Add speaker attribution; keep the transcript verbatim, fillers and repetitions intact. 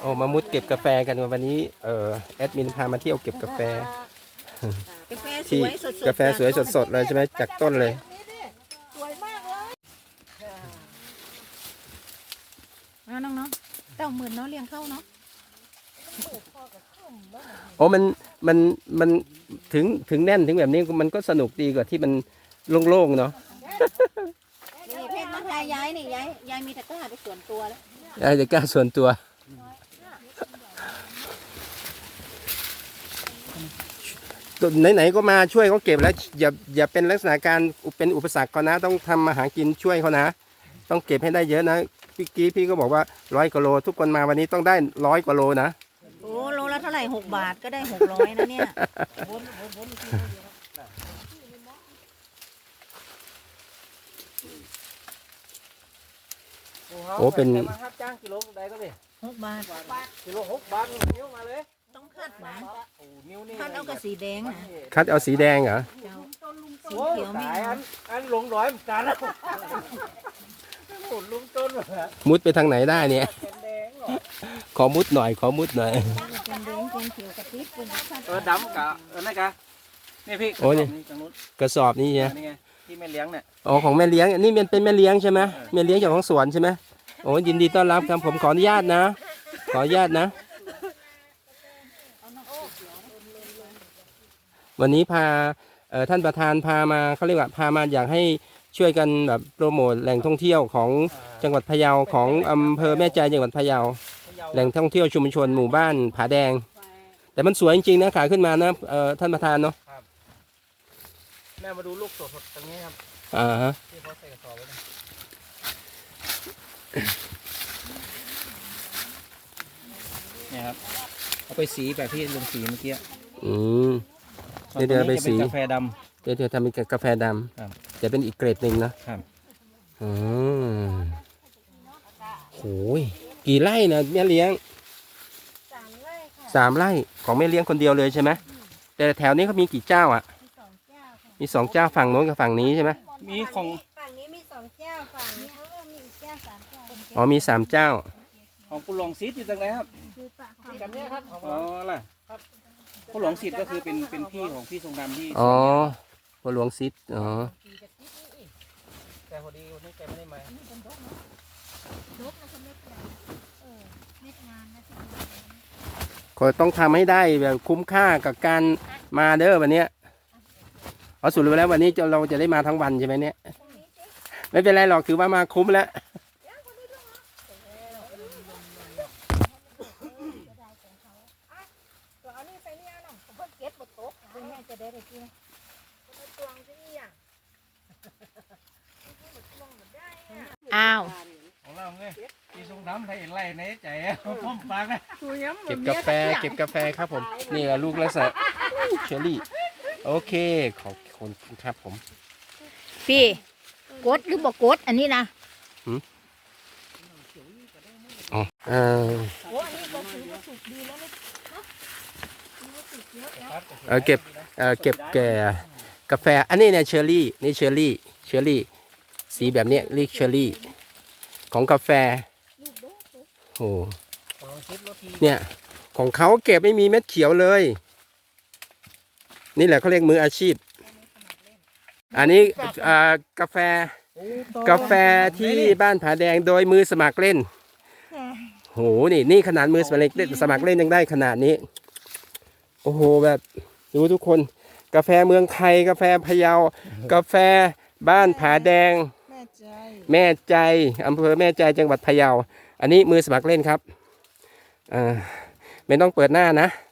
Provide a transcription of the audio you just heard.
Speaker 1: อ้มามุดเก็บกาแฟกันวันนี้เออแอดมินพามาเที่ยวเก็บกาแฟ
Speaker 2: กาแฟส
Speaker 1: ที่
Speaker 2: วยสดๆ
Speaker 1: กาแฟสวยสดๆเลยใช่ไหมจากต้นเลย
Speaker 2: สวยมากเลยเอาน้องๆเต้าหมื่นเนาะเลี้ยงเข้าเนาะ
Speaker 1: โอ้มันมันมันถึงถึงแน่นถึงแบบนี้มันก็สนุกดีกว่าที่มันโล่งๆเนาะ
Speaker 2: นี่เพชรน้องชายย้ายนี่ย้ายย้ายมีตะกร้าไปส่วนตัวแล้ว
Speaker 1: ยายจะกล้าส่วนตัวไหนๆก็มาช่วยเขาเก็บแล้วอย่าอย่าเป็นลักษณะการเป็นอุปสรรคเขานะต้องทำมาหากินช่วยเขานะต้องเก็บให้ได้เยอะนะพี่กี้พี่ก็บอกว่าร้อยกิโลทุกคนมาวันนี้ต้องได้ร้อยกว่าโลนะ
Speaker 2: โอ้โลละเท่าไหร่หกบาทก็ได้หกร้อยนะเนี่ย
Speaker 1: โอ้เป็น
Speaker 3: จ้างกิโลใดก็เลย
Speaker 2: หกบาท
Speaker 3: กิโลหกบาทนิ้วมาเลย
Speaker 2: ต้องคัดหวานคัดเอากระสีแดงนะ
Speaker 1: คัดเอาสีแดงเหรอ
Speaker 2: สีเขียวมี
Speaker 3: อันอันหลงร้อยเหมือนกันแล้วหมุนลุงต้น
Speaker 1: มุดไปทางไหนได้เนี่ยขอมุดหน่อยขอมุดหน่อย
Speaker 2: เป็นแดงเป็นเขียวกระติ๊บเป็นคัด
Speaker 3: เออดำกะเออนั่นกะนี่พี่
Speaker 1: โอ้นี่กระสอบนี่ไง
Speaker 3: ที่แม่เลี้ยงเนี่ย
Speaker 1: อ๋อของแม่เลี้ยงนี่มันเป็นแม่เลี้ยงใช่ไหมแม่เลี้ยงจากของสวนใช่ไหมโอ้ยินดีต้อนรับครับผมขออนุญาตนะขออนุญาตนะวันนี้พาท่านประธานพามาเขาเรียกว่าพามาอยากให้ช่วยกันแบบโปรโมทแหล่งท่องเที่ยวของจังหวัดพะเยาของอำเภอแม่ใจจังหวัดพะเยาแหล่งท่องเที่ยวชุมชนหมู่บ้านผาแดงแต่มันสวยจริงๆนะขาขึ้นมานะท่านประธานเนาะ
Speaker 3: แม่มาดูลูกสดๆตรงนี้ครับ
Speaker 1: อ่าฮะ
Speaker 3: ที่เขาใส่กระสอบไว้เนี่ยครับเอาไปสีแบบที่ลงสีเมื่อกี้
Speaker 1: อืมเดี๋ยวเดี๋ยวไปสี
Speaker 3: กาแฟดำ
Speaker 1: เดี๋ยวเดี๋ยวทำเป็นกาแฟดำจะเป็นอีกเกรดหนึ่งนะครับอืมโหยกี่ไร่นะแม่เลี้ยง
Speaker 2: สามไร่ค่ะ
Speaker 1: สามไร่ของแม่เลี้ยงคนเดียวเลยใช่ไหมแต่แถวนี้เขามีกี่เจ้าอ่ะมีสองเจ้าฝั่งโน้นกับฝั่งนี้ใช่ไหม
Speaker 3: มีของ
Speaker 2: ฝั่งนี้มีสองเจ้าฝั่งนี้เขาก็มีอีกเจ้าสามเจ้า
Speaker 1: อ๋อมีสามเจ้า
Speaker 3: ของผู้หลวงศิษย์อยู่ตรงไหนครับกันเนี่ยครับอ๋อล่ะผู้หลวงศิษย์ก็คือเป็นเป็นพี่ของพี่ทรงดำที่
Speaker 1: อ๋อผู้หลวงศิษย์อ๋อ
Speaker 3: แต่พอดีวันนี้แกไม่ได้มา
Speaker 1: ก็ต้องทำให้ได้แบบคุ้มค่ากับการมาเด้อวันนี้เอาสุดไปแล้ววันนี้เราจะได้มาทั้งวันใช่ไหมเนี่ยไม่เป็นไรหรอกถือว่ามาคุ้มแล้ว
Speaker 2: อ้าว
Speaker 3: ของเราไงพี่ทรงดำไทยไล่ในใจพ่อมฟังนะ
Speaker 1: เก็บกาแฟเก็บกาแฟครับผมนี่แหละลูกลักษณะเชอรี่โอเคขอบคุณครับผม
Speaker 2: พี่กดหรือบอกกดอันนี้นะ
Speaker 1: อ๋อเออเออเก็บเออเก็บแก่กาแฟอันนี้เนี่ยเชอรี่นี่เชอรี่เชอรี่สีแบบนี้เรียกเชอรี่ของกาแฟโอ้เนี่ยของเขาเก็บไม่มีเม็ดเขียวเลยนี่แหละเขาเรียกมืออาชีพอันนี้กาแฟกาแฟที่บ้านผาแดงโดยมือสมัครเล่นโหนี่นี่ขนาดมือสมัครเล่นสมัครเล่นยังได้ขนาดนี้โอ้โหแบบดูทุกคนกาแฟเมืองไทยกาแฟพะเยากาแฟบ้านผาแดงแม่ใจอำเภอแม่ใจจังหวัดพะเยาอันนี้มือสมัครเล่นครับอ่าไม่ต้องเปิดหน้านะ